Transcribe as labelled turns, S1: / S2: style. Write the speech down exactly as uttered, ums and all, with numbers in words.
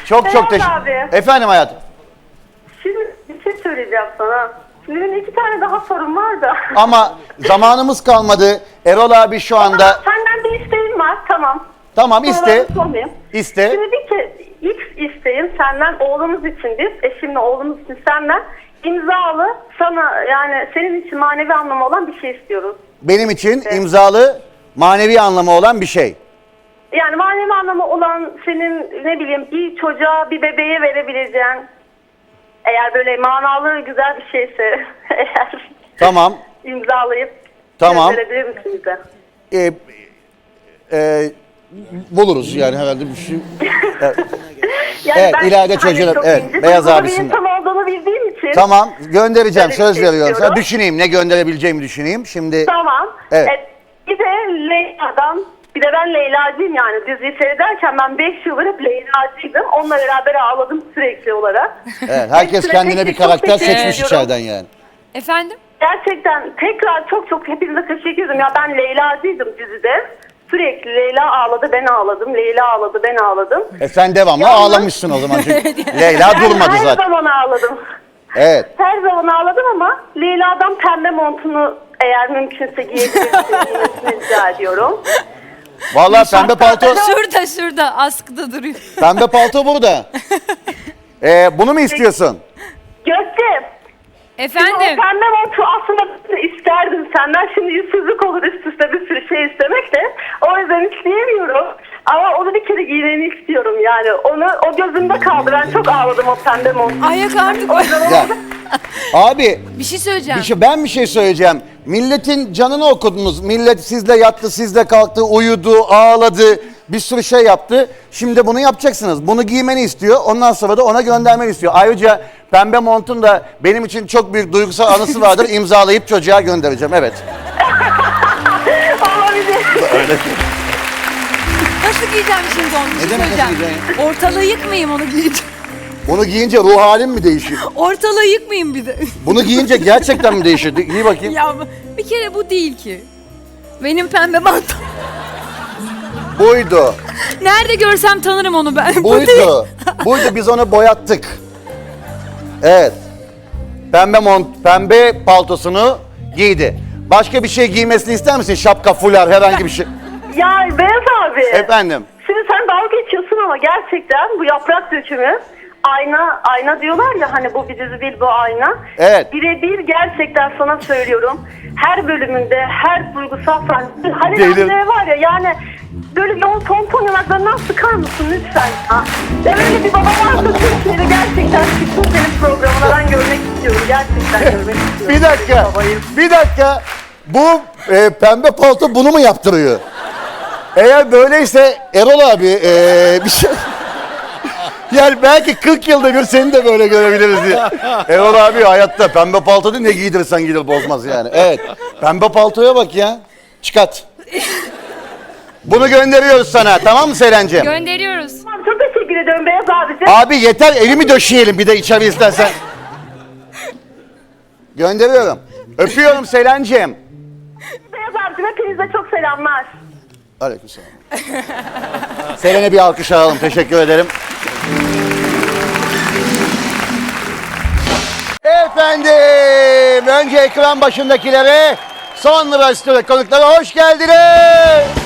S1: Çok çok
S2: Beyaz
S1: teşekkür.
S2: abi.
S1: Efendim hayatım.
S2: Şimdi bir şey söyleyeceğim sana. Şimdi benim iki tane daha sorum var da.
S1: Ama zamanımız kalmadı. Erol abi şu anda.
S2: Senden bir isteğim var, tamam.
S1: Tamam iste.
S2: Sorularımı sormayayım.
S1: İste.
S2: Şimdi bir ke ilk isteğim senden, oğlumuz için biz, eşimle oğlumuz için senden imzalı, sana yani senin için manevi anlamı olan bir şey istiyoruz.
S1: Benim için
S2: Evet.
S1: imzalı manevi anlamı olan bir şey.
S2: Yani manevi anlamı olan senin ne bileyim bir çocuğa, bir bebeğe verebileceğin, eğer böyle manalı güzel bir şeyse eğer
S1: Tamam.
S2: imzalayıp
S1: Tamam.
S2: verebilir misin bize?
S1: Ee, e, buluruz yani herhalde bir şey. Evet,
S2: Yani
S1: Evet,
S2: ben
S1: ileride
S2: hani
S1: çocuğuna-
S2: çok
S1: evet,
S2: ince
S1: beyaz
S2: duygulu bir
S1: abisinden.
S2: insan olduğunu bildiğim için.
S1: Tamam göndereceğim,
S2: Böyle bir
S1: söz
S2: şey
S1: veriyorum sana.
S2: istiyorum.
S1: Düşüneyim, ne gönderebileceğimi düşüneyim. Şimdi
S2: Tamam.
S1: Evet.
S2: E, bir de Leyla'dan, bir de ben Leyla'cıyım yani diziyi seyrederken ben beş yıldır hep Leyla'cıydım. Onunla beraber ağladım sürekli olarak.
S1: evet, herkes
S2: Hepsine
S1: kendine
S2: tek
S1: bir
S2: tek çok
S1: karakter
S2: teşekkür
S1: seçmiş
S2: ediyorum.
S1: içeriden yani.
S3: Efendim?
S2: Gerçekten tekrar çok çok hepinize teşekkür ederim. Ya ben Leyla'cıydım dizide. Sürekli Leyla ağladı, ben ağladım. Leyla ağladı, ben ağladım.
S1: E sen devamlı
S2: Yalnız-
S1: ağlamışsın o zaman çünkü Leyla
S2: Ben
S1: durmadı
S2: her
S1: zaten.
S2: zaman ağladım.
S1: Evet.
S2: Her zaman ağladım ama Leyla'dan pembe montunu eğer mümkünse giyebilirsiniz giymesini rica ediyorum.
S1: Vallahi pembe palto,
S3: Şurada şurada askıda duruyor.
S1: pembe palto burada. Ee, bunu mu istiyorsun?
S2: Gökçe, o
S3: Efendim?
S2: pembe montu aslında isterdim senden. Şimdi yüzsüzlük olur üst üste bir sürü şey istemek de. O yüzden isteyemiyorum. Ama onu bir kere giymeni istiyorum yani. Onu o gözümde kaldı. Ben çok ağladım o pembe montu.
S3: Ayak artık.
S2: O yüzden
S1: Ya,
S2: onu...
S1: abi
S3: Bir şey söyleyeceğim.
S1: bir şey, ben bir şey söyleyeceğim. Milletin canını okudunuz. Millet sizle yattı, sizle kalktı, uyudu, ağladı. Bir sürü şey yaptı. Şimdi bunu yapacaksınız. Bunu giymeni istiyor. Ondan sonra da ona göndermeni istiyor. Ayrıca pembe montun da benim için çok büyük duygusal anısı vardır. İmzalayıp çocuğa göndereceğim. Evet.
S2: Olabilir.
S3: Nasıl giyeceğim şimdi onu? Bir şey
S1: demek nasıl
S3: söyleyeceğim. Ortalığı yıkmayayım onu giyince.
S1: Bunu giyince ruh halin mi değişiyor?
S3: Ortalığı yıkmayayım bir de.
S1: Bunu giyince gerçekten mi değişiyor? Giy bakayım.
S3: Ya bir kere bu değil ki. Benim pembe mantom.
S1: Buydu.
S3: Nerede görsem tanırım onu ben. Bu değil.
S1: Buydu. Buydu, biz onu boyattık. Evet. Pembe mont, pembe paltosunu giydi. Başka bir şey giymesini ister misin? Şapka, fular, herhangi bir şey.
S2: Ya Beyaz abi.
S1: Efendim.
S2: Şimdi sen dalga geçiyorsun ama gerçekten bu yaprak dökümü ayna ayna diyorlar ya hani bu bir dizi değil bu ayna.
S1: Evet.
S2: Birebir gerçekten sana söylüyorum. Her bölümünde her duygusal sahne. Halil
S1: Delir.
S2: Emre var ya yani böyle yoğun pompon yanaklarından sıkar mısın lütfen ya. Ya böyle bir baba varsa Türkiye'de gerçekten çıksın senin programına ben görmek istiyorum. Gerçekten görmek istiyorum.
S1: Bir dakika.
S2: Babayı.
S1: Bir dakika. Bu e, pembe palto bunu mu yaptırıyor? Eğer böyleyse Erol abi e, bir şey... Yani belki kırk yılda bir seni de böyle görebiliriz diye. Erol abi hayatta pembe palto değil, ne giydirirsen giydir bozmaz yani. Evet. Pembe paltoya bak ya. Çıkart. Bunu gönderiyoruz sana, tamam mı Selen'ciğim?
S3: Gönderiyoruz.
S2: Tamam, çok teşekkür ederim Beyaz abicim.
S1: Abi yeter, elimi döşeyelim bir de içeri istersen. Gönderiyorum. Öpüyorum Selen'ciğim.
S2: Beyaz abicim hepinize çok selamlar.
S1: Aleykümselam. Selen'e bir alkış alalım. Teşekkür ederim. Efendim, önce ekran başındakilere, sonra stüdyo konuklara hoş geldiniz.